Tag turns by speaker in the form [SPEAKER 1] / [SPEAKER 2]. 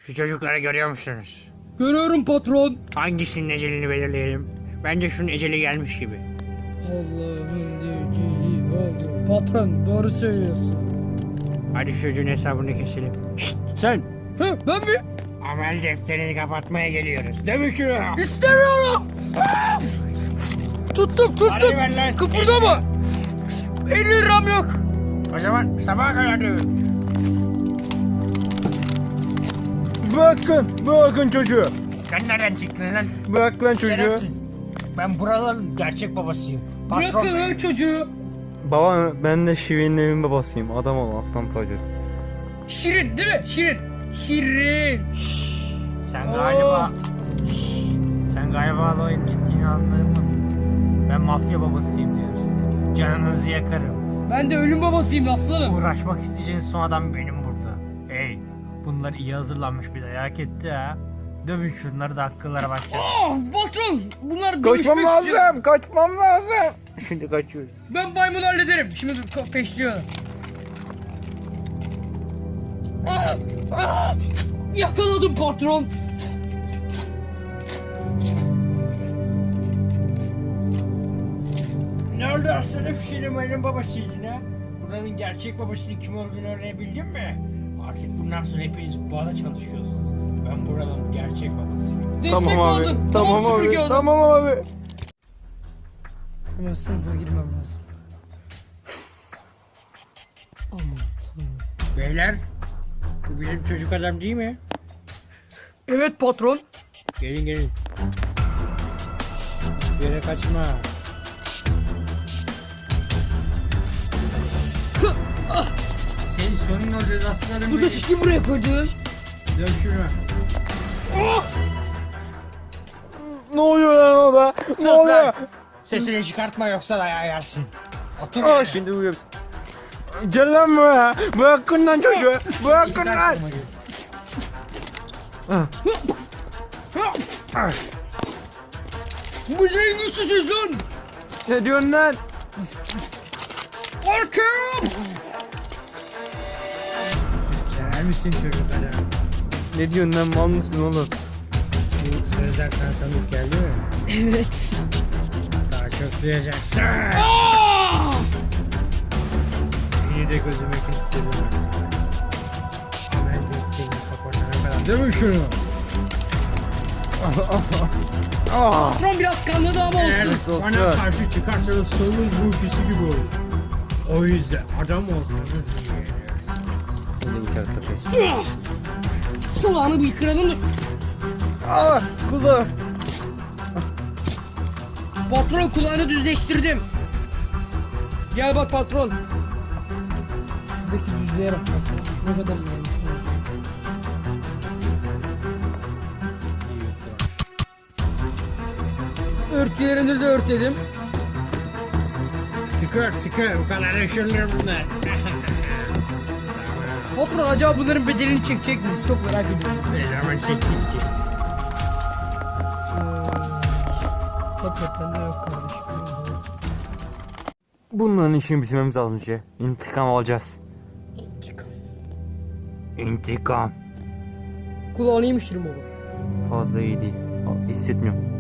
[SPEAKER 1] Şu çocukları görüyor musunuz?
[SPEAKER 2] Görüyorum patron.
[SPEAKER 1] Hangisinin ecelini belirleyelim? Bence şunun eceli gelmiş gibi.
[SPEAKER 2] Allah'ın dediği oldu. Patron doğru söylüyorsun.
[SPEAKER 1] Hadi şu çocuğun hesabını keselim. Şşt sen!
[SPEAKER 2] He ben mi?
[SPEAKER 1] Amel defterini kapatmaya geliyoruz. Değil mi şunu?
[SPEAKER 2] İstemiyorum. Tuttum.
[SPEAKER 1] Hadi ver lan.
[SPEAKER 2] Kıpırdama. 50 liram yok.
[SPEAKER 1] O zaman sabaha kadar dövün.
[SPEAKER 3] Bırakın çocuğu.
[SPEAKER 1] Sen nereden çıktın lan?
[SPEAKER 3] Bırak lan çocuğu.
[SPEAKER 1] Şerefsiz. Ben buraların gerçek babasıyım.
[SPEAKER 2] Bırakın lan çocuğu.
[SPEAKER 3] Baba ben de Şirin'in evin babasıyım. Adam ol aslan parçası.
[SPEAKER 2] Şirin değil mi? Şirin.
[SPEAKER 1] Sen galiba... Sen galiba olayın ciddiğini anlayamadın. Ben mafya babasıyım diyorum size. Canınızı yakarım.
[SPEAKER 2] Ben de ölüm babasıyım aslanım.
[SPEAKER 1] Uğraşmak isteyeceğiniz son adam benim burada. Hey, bunlar iyi hazırlanmış bir dayak etti ha. Dövün şunları da akıllara başlayalım.
[SPEAKER 2] Patron bunlar
[SPEAKER 3] Kaçmam
[SPEAKER 2] dövüşmek istiyor.
[SPEAKER 3] lazım. Kaçmam lazım.
[SPEAKER 1] Şimdi kaçıyoruz.
[SPEAKER 2] Ben maymunu hallederim. Şimdi peşliyorum. Yakaladım patron.
[SPEAKER 1] Ne oldu aslanım? Şirin benim babasıydın ha? Buranın gerçek babasının kim olduğunu öğrenebildin mi? Artık bundan sonra hepiniz bana çalışıyorsunuz. Ben buranın gerçek babasıyım.
[SPEAKER 2] Destek
[SPEAKER 3] Tamam abi.
[SPEAKER 2] lazım.
[SPEAKER 3] Tamam
[SPEAKER 2] süpürge
[SPEAKER 3] abi.
[SPEAKER 2] adam.
[SPEAKER 3] Tamam abi.
[SPEAKER 2] Hemen sınıfa girmem lazım. Aman tanrım.
[SPEAKER 1] Beyler, bu bizim çocuk adam değil mi?
[SPEAKER 2] Evet patron.
[SPEAKER 1] Gelin. Bir yere kaçma. Senin sonun olacağız aslanım.
[SPEAKER 2] Bu da şişki buraya koydu.
[SPEAKER 1] Dön şunu.
[SPEAKER 3] Ne oluyor lan orada? Ne oluyor?
[SPEAKER 1] Sesini çıkartma yoksa dayağı yersin. Otur.
[SPEAKER 3] Aa
[SPEAKER 1] yerine.
[SPEAKER 3] şimdi uyuyor. Gel lan buraya. Bırakın lan çocuğu. Bırakın lan.
[SPEAKER 2] Bu şeyin güçsüzüz lan.
[SPEAKER 3] Ne diyorsun lan?
[SPEAKER 2] Arkaya.
[SPEAKER 1] Sever misin çocuk adam?
[SPEAKER 3] Ne diyorsun lan, mal mısın oğlum?
[SPEAKER 1] Bu sözler sana tanık geldi mi?
[SPEAKER 2] Evet.
[SPEAKER 1] Daha çok duyacaksın.
[SPEAKER 2] Aa!
[SPEAKER 1] Seni de gözüme kestiririm. Amel defterini kapatana kadar. Dövün şunu.
[SPEAKER 2] Patron biraz kanladı ama
[SPEAKER 1] Eğer
[SPEAKER 2] olsun.
[SPEAKER 1] bana karşı çıkarsanız sonunuz bu ikisi gibi olur. O yüzden adam olsanız iyi.
[SPEAKER 3] Seni uçakta peş.
[SPEAKER 2] Kulağını bir kıralım da.
[SPEAKER 3] Ah kulağı.
[SPEAKER 2] Patron kulağını düzleştirdim. Gel bak patron. Şuradaki düzlüğe bak patron. Ne kadar iyi olmuş. Örtülerini de örtelim.
[SPEAKER 1] Sıkır bu kadar yaşanır bunlar.
[SPEAKER 2] Patron acaba bunların bedelini çekecek miyiz? Çok merak ediyorum.
[SPEAKER 1] Ne zaman çektik ki?
[SPEAKER 2] Hakikaten de yok kardeşim.
[SPEAKER 3] Bunların işini bitirmemiz lazım şey. İntikam alacağız. İntikam.
[SPEAKER 2] Kulağını iyiymiş Şirin baba.
[SPEAKER 3] Fazla iyi değil. Hissetmiyorum.